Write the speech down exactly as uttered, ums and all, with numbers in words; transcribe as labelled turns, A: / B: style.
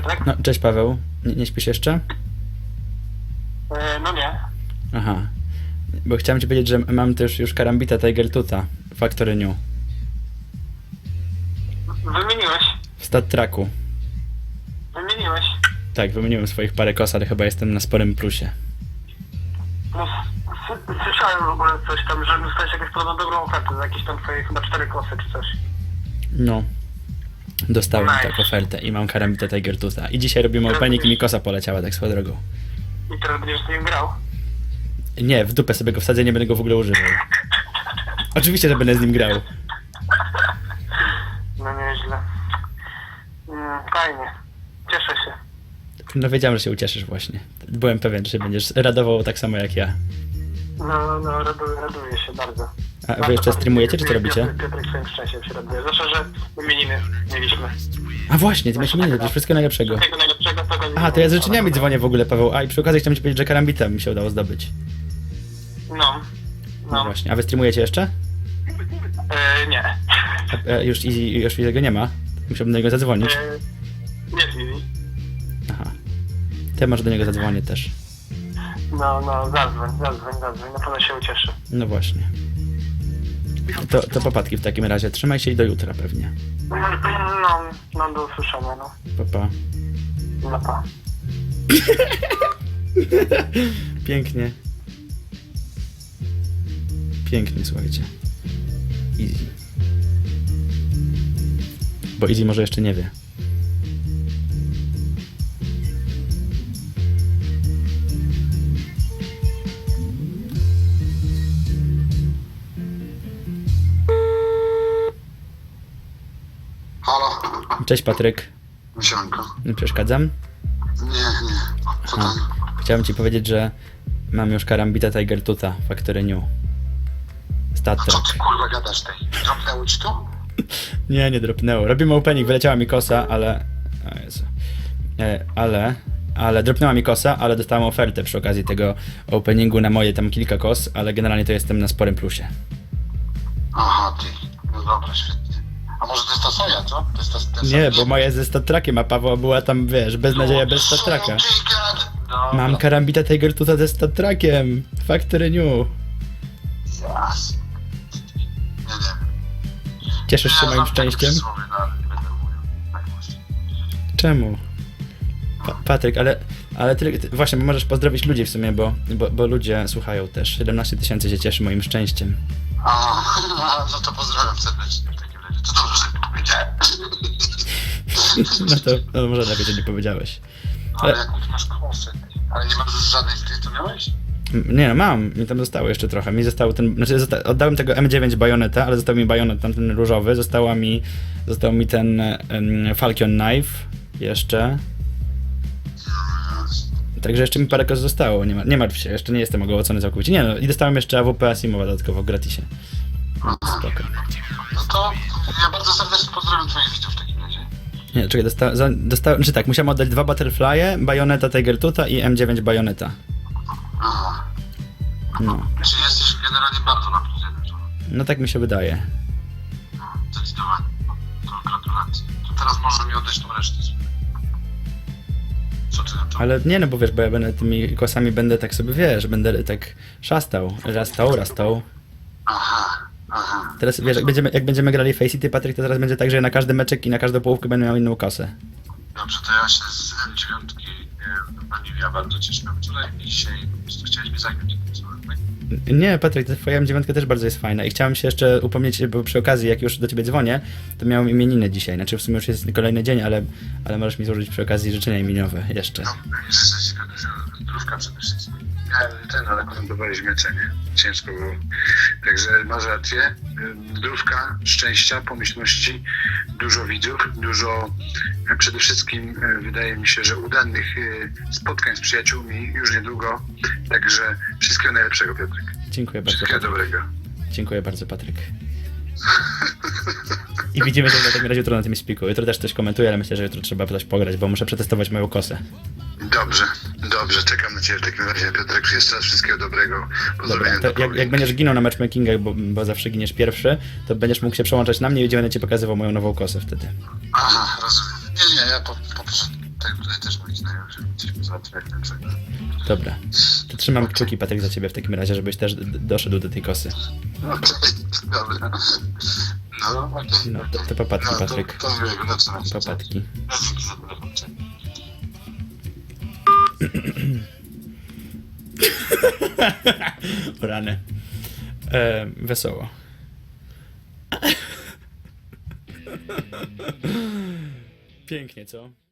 A: Piotrek?
B: No, cześć Paweł. Nie, nie śpisz jeszcze?
A: E, no nie.
B: Aha. Bo chciałem ci powiedzieć, że mam też już Karambita Tiger Tuta w Factory New.
A: Wymieniłeś.
B: W Stat Tracku.
A: Wymieniłeś.
B: Tak, wymieniłem swoich parę kos, ale chyba jestem na sporym plusie.
A: No, s- słyszałem w ogóle coś tam, że dostałeś jakąś podobno dobrą ofertę za jakieś tam twoje chyba cztery kosy czy coś.
B: No. Dostałem
A: Nice.
B: tak ofertę i mam Karambita Tiger Tuta. I dzisiaj robimy opening i mi kosa poleciała tak swoją drogą.
A: I teraz będziesz z nim grał.
B: Nie, w dupę sobie go wsadzę, nie będę go w ogóle używał. Oczywiście, że będę z nim grał.
A: No nieźle. Mm, fajnie. Cieszę się.
B: No wiedziałem, że się ucieszysz właśnie. Byłem pewien, że się będziesz radował tak samo jak ja.
A: No, no, raduję, raduję się bardzo.
B: A wy jeszcze streamujecie, czy co robicie?
A: Piotr, Piotrek swoim szczęściem się raduje. Zwłaszcza, że imieniny mieliśmy.
B: A właśnie, ty miałeś imieniny, to już wszystkiego najlepszego.
A: Wszystkiego najlepszego. tego
B: Aha, to ja z życzeniami dzwonię w ogóle, Paweł. A i przy okazji chciałem ci powiedzieć, że Karambita mi się udało zdobyć.
A: No.
B: No
A: No.
B: właśnie. A wy streamujecie jeszcze?
A: E, nie.
B: A, e, już Easy, już jego nie ma. Musiałbym do niego zadzwonić.
A: E, nie Fizi.
B: Aha. To ja może do niego zadzwonię też.
A: No, no, zadzwoń, zadzwoń, zadzwoń. Na pewno się ucieszy.
B: No właśnie. To, to popadki w takim razie. Trzymaj się i do jutra pewnie.
A: No, no do usłyszenia, no.
B: Pa, pa.
A: No pa.
B: Pięknie. Pięknie, słuchajcie. Easy. Bo Easy może jeszcze nie wie.
C: Halo?
B: Cześć Patryk.
C: Sianko.
B: Nie przeszkadzam?
C: Nie, nie. Co
B: A,
C: tam?
B: chciałem ci powiedzieć, że mam już Karambita Tiger Tuta Factory New. Stat
C: A co
B: Track.
C: ty kurwa gadasz tej? Dropnęło ci to?
B: Nie, nie dropnęło. Robimy opening, wyleciała mi kosa, ale... O Jezu. E, ale... Ale dropnęła mi kosa, ale dostałem ofertę przy okazji tego openingu na moje tam kilka kos, ale generalnie to jestem na sporym plusie.
C: Aha, ty. No dobra, świetnie. A może to jest ta soja, co? To jest ta, ten
B: Nie,
C: sam-
B: bo moja ze Stat Trackiem, a Paweł była tam, wiesz, beznadzieja bez Stat Tracka.
C: Co ty gad- Dobra.
B: Mam Karambita Tiger Tuta ze Stat Trackiem. Factory New.
C: Jasne. Nie, nie.
B: Cieszysz się
C: Ja
B: moim
C: znam takie
B: szczęściem?
C: przysłowie, no, ale nie będę mówił. Tak właśnie.
B: Czemu? Pa Patryk, ale, ale ty, ty, właśnie możesz pozdrowić ludzi w sumie, bo, bo, bo ludzie słuchają też. siedemnaście tysięcy się cieszy moim szczęściem.
C: A, no to pozdrawiam serdecznie w takim razie. To dobrze, że powiedziałem.
B: No to no, może lepiej, że nie powiedziałeś.
C: Ale
B: Ale-
C: jakąś masz kosę. Ale nie masz już żadnej z tych, co miałeś?
B: M- Nie no, mam. Mi tam zostało jeszcze trochę. Mi został ten... Znaczy, zosta oddałem tego M dziewięć Bajoneta, ale został mi bajonet tam ten różowy. Została mi... Został mi ten um, Falcon Knife jeszcze. Także jeszcze mi parę kos zostało. Nie, ma, nie martw się, jeszcze nie jestem ogołocony całkowicie. Nie no, i dostałem jeszcze A W P Asimowa dodatkowo w gratisie. No, spoko.
C: No to ja bardzo serdecznie pozdrawiam twoich widzów w takim razie.
B: Nie, czekaj, dosta za- dostałem... Znaczy tak, musiałem oddać dwa Butterfly'e, Bajoneta Tiger Tuta i M dziewięć Bajoneta.
C: Aha.
B: No.
C: Czyli jesteś generalnie bardzo na plus jeden, to
B: No tak mi się wydaje.
C: zdecydowanie. To gratulacje. To teraz może mi oddać tą resztę. Co ty na to?
B: Ale nie no, bo wiesz, bo ja będę tymi kosami będę tak sobie, wiesz, będę tak szastał, rastał, rastał.
C: Aha, aha.
B: Teraz wiesz, jak będziemy, jak będziemy grali Face City, Patryk, to teraz będzie tak, że ja na każdy meczek i na każdą połówkę będę miał inną kosę.
C: Dobrze, to ja się z M dziewięć Baniwia bardzo cieszyłem wczoraj i dzisiaj po prostu chciałeś mnie zająć.
B: Nie, Patryk, ta twoja M dziewięć też bardzo jest fajna i chciałem się jeszcze upomnieć, bo przy okazji, jak już do ciebie dzwonię, to miałem imieniny dzisiaj, znaczy w sumie już jest kolejny dzień, ale, ale możesz mi złożyć przy okazji życzenia imieniowe jeszcze.
C: No, jeszcze zdrówka przede wszystkim. Ja ten, ale komentowaliśmy mecz, nie? Ciężko było. Także masz rację. Zdrówka, szczęścia, pomyślności, dużo widzów, dużo e, przede wszystkim e, wydaje mi się, że udanych e, spotkań z przyjaciółmi już niedługo. Także wszystkiego najlepszego, Piotrek.
B: Dziękuję bardzo,
C: Wszystkiego
B: Patryk.
C: dobrego.
B: Dziękuję bardzo, Patryk. I widzimy się w takim razie jutro na tym spiku. Jutro też coś komentuję, ale myślę, że jutro trzeba coś pograć, bo muszę przetestować moją kosę.
C: Dobrze, dobrze. Czekam na Ciebie w takim razie, Piotrek. Jeszcze raz wszystkiego dobrego.
B: Dobra,
C: Pozdrowienia
B: to
C: do
B: jak, jak będziesz ginął na matchmakingach, bo, bo zawsze giniesz pierwszy, to będziesz mógł się przełączać na mnie i będę ci pokazywał moją nową kosę wtedy.
C: Aha, rozumiem. Nie, nie, ja po, po prostu tak tutaj też moi znajomi, żeby coś załatwiać na przykład.
B: Dobra. To trzymam kciuki, Patryk, za ciebie w takim razie, żebyś też d- doszedł do tej kosy.
C: Okej, dobra. No, okej.
B: No, to, to popatki,
C: No, to-
B: Patryk.
C: To miłego nocy.
B: Popatki.
C: No, dzięki za telefon. Cześć.
B: O rany. E, wesoło. Pięknie, co?